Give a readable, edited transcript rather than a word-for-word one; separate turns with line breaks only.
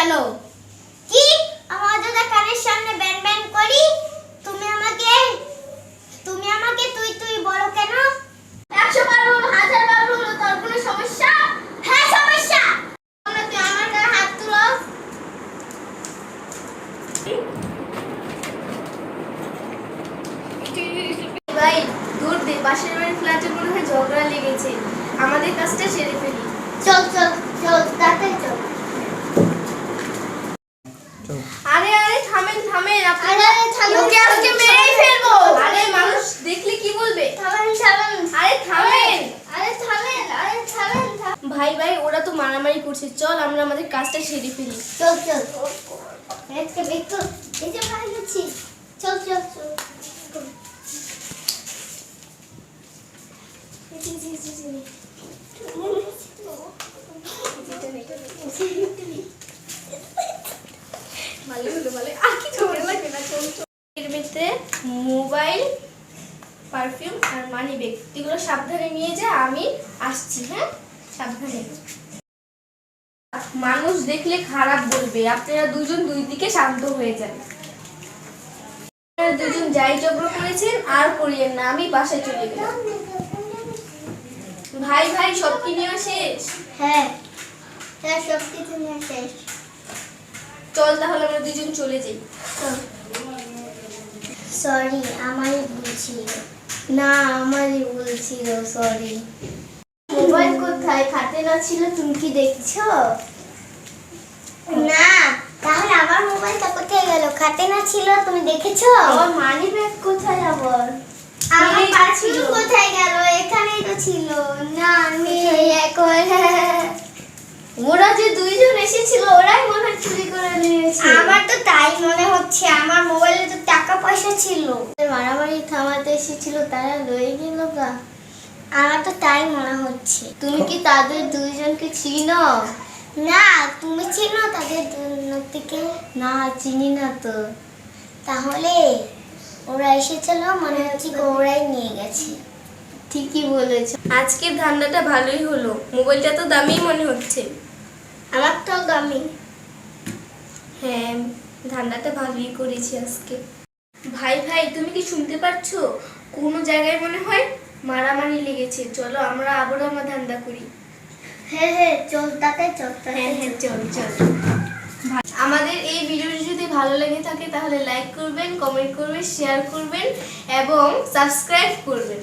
গেল।
কি আমার দাদা কানের সামনে ব্যান ব্যান করি? তুমি আমাকে তুই তুই বলো কেন?
100 বার হলো, 1000 বার হলো, তোর কোনো সমস্যা?
হ্যাঁ সমস্যা।
তুই আমার গায়ে হাত তুলো। ভাই দূর দে, পাশের বাড়ির ফ্ল্যাটে মনে হয় ঝগড়া লেগেছে, আমাদের কাজটা সেরে ফেলি।
চল চল চল তাড়াতাড়ি চল।
আরে আরে থামেন থামেন,
আরে থামেন,
ওকে আজকে মেরেই ফেলবো। আরে মানুষ দেখলে কি বলবে?
থামেন থামেন।
আরে থামেন।
আরে থামেন, আরে থামেন।
ভাই ভাই ওরা তো মারামারি করছে, চল আমরা আমাদের কাজটা সেরে ফেলি।
চল চল। একটা একটু এই যে বাইরে যাচ্ছি। চল চল চল।
ভালো হলো ভালো, আর কি ঝগড়া লাগবে না, চল চল। এর ভিতরে মোবাইল, পারফিউম আর মানি ব্যাগ, এগুলো সাবধানে নিয়ে যা, আমি আসছি। হ্যাঁ সাবধানে। মানুষ দেখলে খারাপ বলবে, আপনারা দুজন দুই দিকে শান্ত হয়ে যান। আপনারা দুজন যাই ঝগড়া করেছেন আর করিয়েন না, আমি বাসায় চলে গেলাম। ভাই ভাই সব কি নেওয়া শেষ?
হ্যাঁ হ্যাঁ সব কিছু নিয়ে শেষ।
চল তাহলে আমরা দুজন চলে যাই।
সরি আমারই ভুল ছিল। না আমারই ভুল ছিল, সরি। মোবাইল কোথায়? খাতে না ছিল, তুমি কি দেখছো? না তাহলে আমার মোবাইলটা কোথায় গেল? খাতে না ছিল, তুমি দেখেছো?
আমার মানি ব্যাগ কোথায় আবার?
আমার পারফিউম কোথায় গেল? এখানেই তো ছিল। না নেই এখন।
ওরা যে দুইজন এসেছিল ওরাই মনে হয় চুরি করে নিয়েছে।
আমার তো তাই মনে হচ্ছে, আমার মোবাইলে তো টাকা পয়সা ছিল। মারামারি থামাতে এসেছিল, তারা লয়ে গেল গা। আমার তো তাই মনে হচ্ছে।
তুমি কি তাদের দুইজনকে চিনো?
না তুমি চিনো তাদের থেকে?
না চিনি না তো।
তাহলে ওরা এসেছিল, মনে হচ্ছে ওরাই নিয়ে গেছে।
ঠিকই বলেছো, আজকের ধান্দাটা ভালোই হলো, মোবাইলটা তো দামি মনে হচ্ছে।
আমার তো দামি।
হ্যাঁ ধান্দাটা ভালোই করেছি আজকে। ভাই ভাই তুমি কি শুনতে পাচ্ছো? কোনো জায়গায় মনে হয় মারামারি লেগেছে, চলো আমরা আবারও আমার ধান্দা করি।
হ্যাঁ হ্যাঁ চল তাতে চল।
হ্যাঁ হ্যাঁ চল চল। আমাদের এই ভিডিওটি যদি ভালো লেগে থাকে তাহলে লাইক করবেন, কমেন্ট করবেন, শেয়ার করবেন এবং সাবস্ক্রাইব করবেন।